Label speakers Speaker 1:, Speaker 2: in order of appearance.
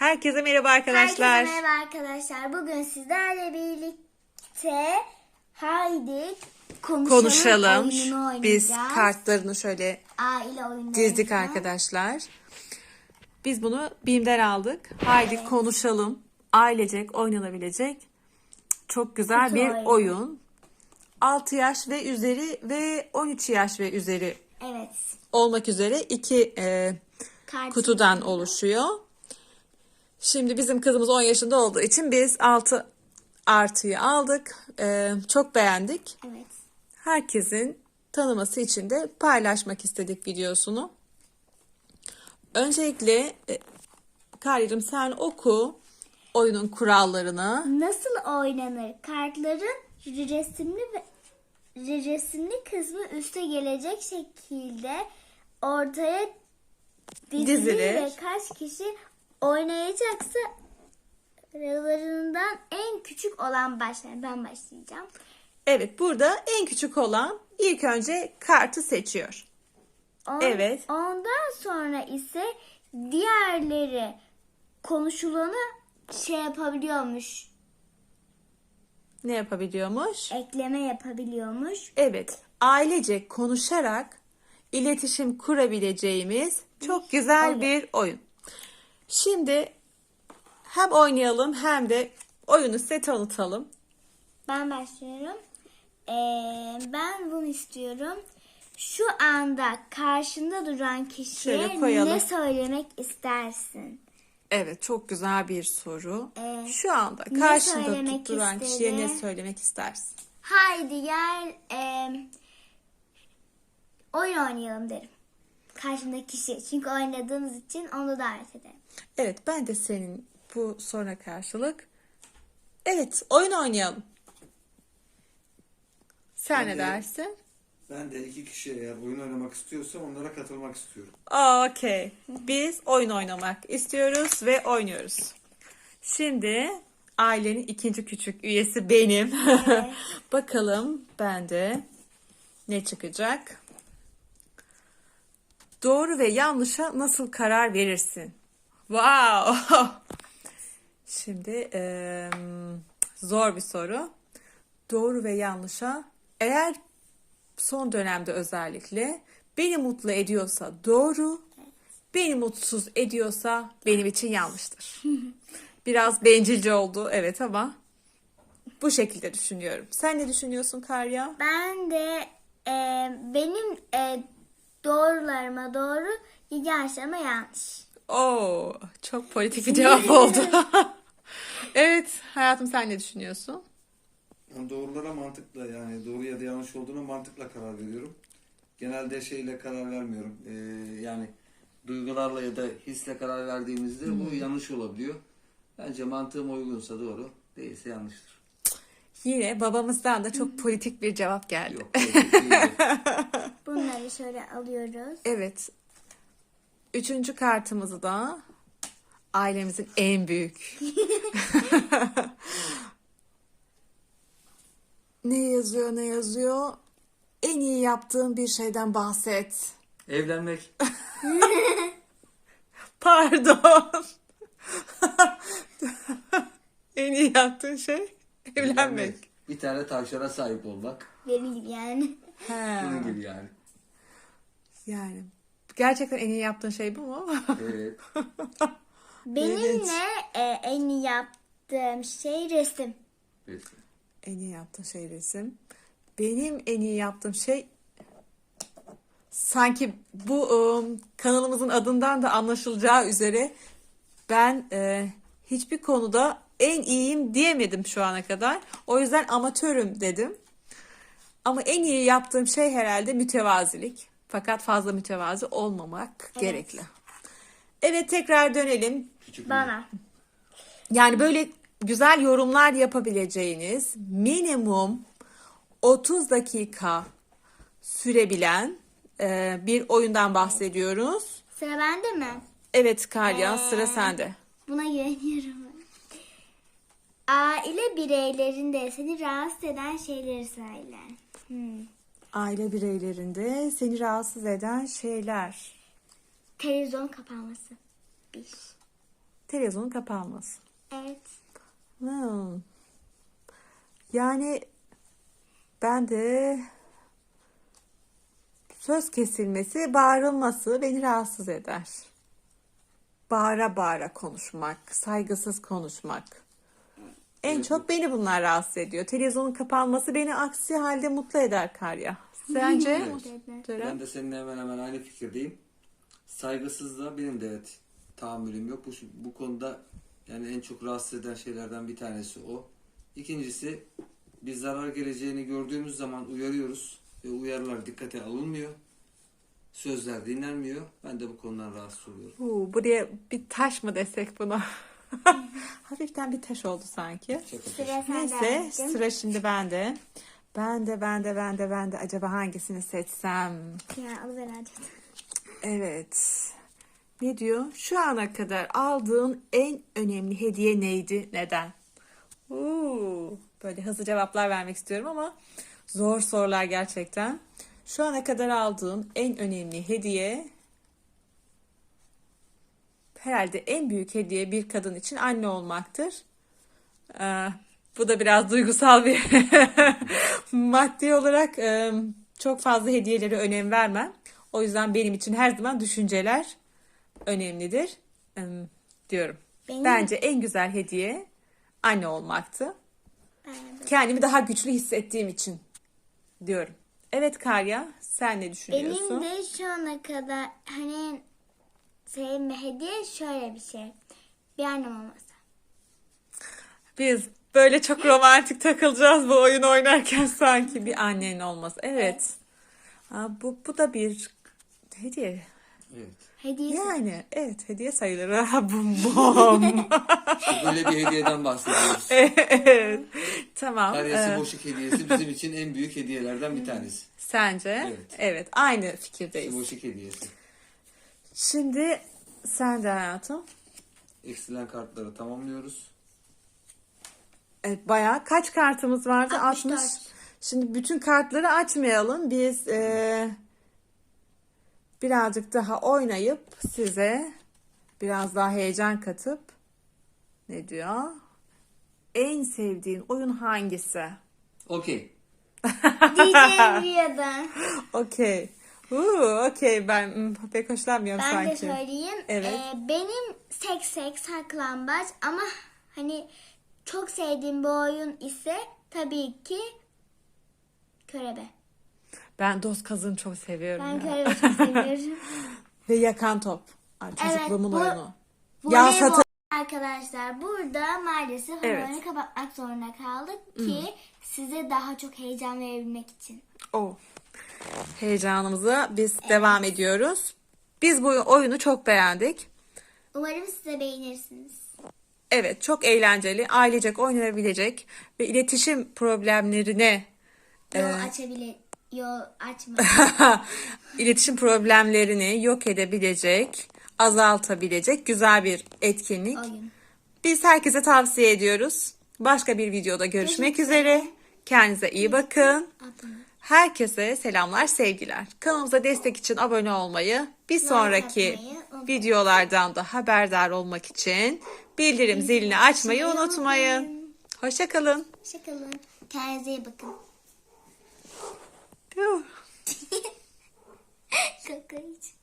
Speaker 1: Herkese merhaba arkadaşlar.
Speaker 2: Herkese merhaba arkadaşlar. Bugün sizlerle birlikte haydi konuşalım oyununu oynayacağız.
Speaker 1: Biz kartlarını şöyle
Speaker 2: Aile oyunları.
Speaker 1: dizdik arkadaşlar. Biz bunu BİM'den aldık. Haydi konuşalım. Ailecek oynanabilecek çok güzel
Speaker 2: Kutu
Speaker 1: bir
Speaker 2: oyunu.
Speaker 1: oyun. 6 yaş ve üzeri ve 13 yaş ve üzeri
Speaker 2: Evet.
Speaker 1: olmak üzere iki
Speaker 2: Kart
Speaker 1: kutudan oluşuyor. Şimdi bizim kızımız 10 yaşında olduğu için biz 6 artıyı aldık. Çok beğendik.
Speaker 2: Evet.
Speaker 1: Herkesin tanıması için de paylaşmak istedik videosunu. Öncelikle Karya'cığım sen oku oyunun kurallarını.
Speaker 2: Nasıl oynanır? Kartların resimli kısmı üste gelecek şekilde ortaya dizilir ve kaç kişi oynayacaksa aralarından en küçük olan başlar. Ben başlayacağım.
Speaker 1: Evet, burada en küçük olan ilk önce kartı seçiyor. Evet.
Speaker 2: Ondan sonra ise diğerleri konuşulanı yapabiliyormuş.
Speaker 1: Ne yapabiliyormuş?
Speaker 2: Ekleme yapabiliyormuş.
Speaker 1: Evet, ailecek konuşarak iletişim kurabileceğimiz çok güzel bir oyun. Şimdi hem oynayalım hem de oyunu size tanıtalım.
Speaker 2: Ben başlıyorum. Ben bunu istiyorum. Şu anda karşında duran kişiye ne söylemek istersin?
Speaker 1: Evet, çok güzel bir soru. Şu anda
Speaker 2: ne
Speaker 1: karşında
Speaker 2: söylemek
Speaker 1: duran
Speaker 2: istedi?
Speaker 1: kişiye ne söylemek istersin?
Speaker 2: Haydi gel oyun oynayalım derim. Karşımdaki kişi. Çünkü oynadığımız için onu davet ederim.
Speaker 1: Evet, ben de senin bu soruna karşılık evet, oyun oynayalım. Sen ne dersin?
Speaker 3: Ben de iki kişi eğer oyun oynamak istiyorsa onlara katılmak istiyorum.
Speaker 1: Okey. Biz oyun oynamak istiyoruz ve oynuyoruz. Şimdi ailenin ikinci küçük üyesi benim. Bakalım bende ne çıkacak? Doğru ve yanlışa nasıl karar verirsin? Wow! Şimdi zor bir soru. Doğru ve yanlışa eğer son dönemde özellikle beni mutlu ediyorsa doğru, beni mutsuz ediyorsa benim için yanlıştır. Biraz bencilce oldu evet ama bu şekilde düşünüyorum. Sen ne düşünüyorsun Karya?
Speaker 2: Ben de benim doğrularıma doğru, yanlışlarıma yanlış.
Speaker 1: Oo, çok politik bir cevap oldu. Evet hayatım sen ne düşünüyorsun?
Speaker 3: Yani doğrulara mantıkla yani doğru ya da yanlış olduğuna mantıkla karar veriyorum. Genelde şeyle karar vermiyorum. Yani duygularla ya da hisle karar verdiğimizde bu yanlış olabiliyor. Bence mantığıma uygunsa doğru, değilse yanlıştır.
Speaker 1: Yine babamızdan da çok politik bir cevap geldi.
Speaker 3: Yok, politik değil.
Speaker 2: Bunları şöyle alıyoruz.
Speaker 1: Evet. Üçüncü kartımızı da ailemizin en büyük. Ne yazıyor, ne yazıyor? En iyi yaptığın bir şeyden bahset.
Speaker 3: Evlenmek.
Speaker 1: Pardon. En iyi yaptığın şey evlenmek.
Speaker 3: Bir tane tavşana sahip olmak.
Speaker 2: Benim gibi yani.
Speaker 1: He.
Speaker 3: Bunun gibi yani.
Speaker 1: Yani gerçekten en iyi yaptığın şey bu mu?
Speaker 3: Evet.
Speaker 2: Benim
Speaker 1: İlginç.
Speaker 2: de en iyi yaptığım şey resim.
Speaker 3: Peki.
Speaker 1: En iyi yaptığın şey resim. Benim en iyi yaptığım şey sanki bu kanalımızın adından da anlaşılacağı üzere ben hiçbir konuda en iyiyim diyemedim şu ana kadar. O yüzden amatörüm dedim. Ama en iyi yaptığım şey herhalde mütevazilik. Fakat fazla mütevazi olmamak gerekli. Evet tekrar dönelim.
Speaker 3: Küçük
Speaker 2: Bana.
Speaker 1: Yani böyle güzel yorumlar yapabileceğiniz minimum 30 dakika sürebilen bir oyundan bahsediyoruz.
Speaker 2: Sıra bende mi?
Speaker 1: Evet Kalya sıra sende.
Speaker 2: Buna güveniyorum. Aile bireylerinde seni rahatsız eden şeyleri söyle.
Speaker 1: Aile bireylerinde seni rahatsız eden şeyler.
Speaker 2: Televizyon kapanması. Bir.
Speaker 1: Televizyonun kapanması.
Speaker 2: Evet.
Speaker 1: Hmm. Yani ben de söz kesilmesi, bağırılması beni rahatsız eder. Bağıra bağıra konuşmak, saygısız konuşmak. En çok beni bunlar rahatsız ediyor. Televizyonun kapanması beni aksi halde mutlu eder Karya. Sence?
Speaker 2: Evet.
Speaker 1: Ceren?
Speaker 3: Ben de seninle hemen hemen aynı fikirdeyim. Saygısızlığa benim de evet tahammülüm yok. Bu konuda yani en çok rahatsız eden şeylerden bir tanesi o. İkincisi, biz zarar geleceğini gördüğümüz zaman uyarıyoruz ve uyarılar dikkate alınmıyor. Sözler dinlenmiyor. Ben de bu konudan rahatsız oluyorum.
Speaker 1: Buraya bir taş mı desek buna? Hafiften bir taş oldu sanki.
Speaker 2: Sıra sende
Speaker 1: Neyse,
Speaker 2: anneciğim.
Speaker 1: sıra şimdi bende. Ben de acaba hangisini seçsem?
Speaker 2: Ya alıver hadi.
Speaker 1: Evet. Ne diyor? Şu ana kadar aldığın en önemli hediye neydi? Neden? Böyle hızlı cevaplar vermek istiyorum ama zor sorular gerçekten. Şu ana kadar aldığın en önemli hediye, herhalde en büyük hediye bir kadın için anne olmaktır. Bu da biraz duygusal bir maddi olarak çok fazla hediyelere önem vermem. O yüzden benim için her zaman düşünceler önemlidir diyorum. Bence en güzel hediye anne olmaktı. Kendimi daha güçlü hissettiğim için diyorum. Evet Karya, sen ne düşünüyorsun?
Speaker 2: Benim de şu ana kadar hani sevdiğim hediye şöyle bir şey. Bir annem olmasa.
Speaker 1: Biz böyle çok romantik takılacağız bu oyun oynarken sanki bir annenin olması. Evet. Bu da bir hediye.
Speaker 3: Evet.
Speaker 2: Hediye
Speaker 1: Yani evet hediye sayılır. Bum bum.
Speaker 3: Böyle bir hediyeden bahsediyoruz.
Speaker 1: Evet. Tamam.
Speaker 3: Karyası boşluk hediyesi bizim için en büyük hediyelerden bir tanesi.
Speaker 1: Sence?
Speaker 3: Evet.
Speaker 1: Evet. Aynı fikirdeyiz.
Speaker 3: Boşluk hediyesi.
Speaker 1: Şimdi sen de hayatım.
Speaker 3: Eksilen kartları tamamlıyoruz.
Speaker 1: Evet, bayağı kaç kartımız vardı?
Speaker 2: 64.
Speaker 1: Şimdi bütün kartları açmayalım. Biz birazcık daha oynayıp size biraz daha heyecan katıp ne diyor? En sevdiğin oyun hangisi?
Speaker 3: Okey.
Speaker 2: diyeceğim bir yana.
Speaker 1: Okey. Okey ben pek hoşlanmıyorum
Speaker 2: Ben de
Speaker 1: sanki.
Speaker 2: söyleyeyim.
Speaker 1: Evet.
Speaker 2: Benim sek saklambaç ama hani çok sevdiğim bir oyun ise tabii ki körebe.
Speaker 1: Ben dost kazığını çok seviyorum.
Speaker 2: Ben
Speaker 1: ya.
Speaker 2: körebe çok seviyorum.
Speaker 1: Ve yakan top. Ay, çocukluğumun
Speaker 2: bu-
Speaker 1: oyunu.
Speaker 2: Voleybol arkadaşlar burada maalesef
Speaker 1: Evet.
Speaker 2: oyunu kapatmak zorunda kaldık ki size daha çok heyecan verebilmek için.
Speaker 1: Heyecanımıza biz devam ediyoruz. Biz bu oyunu çok beğendik.
Speaker 2: Umarım siz de beğenirsiniz.
Speaker 1: Evet, çok eğlenceli, ailecek oynanabilecek ve iletişim problemlerine
Speaker 2: Yol açma.
Speaker 1: iletişim problemlerini yok edebilecek, azaltabilecek güzel bir etkinlik.
Speaker 2: Oyun.
Speaker 1: Biz herkese tavsiye ediyoruz. Başka bir videoda görüşmek üzere. Kendinize iyi bakın. Herkese selamlar, sevgiler. Kanalımıza destek için abone olmayı, bir sonraki
Speaker 2: atmayı unutmayın.
Speaker 1: videolardan da haberdar olmak için bildirim zilini açmayı unutmayın. Hoşça kalın.
Speaker 2: Hoşçakalın. Kendinize iyi bakın.
Speaker 1: Yuh.
Speaker 2: Kaka için.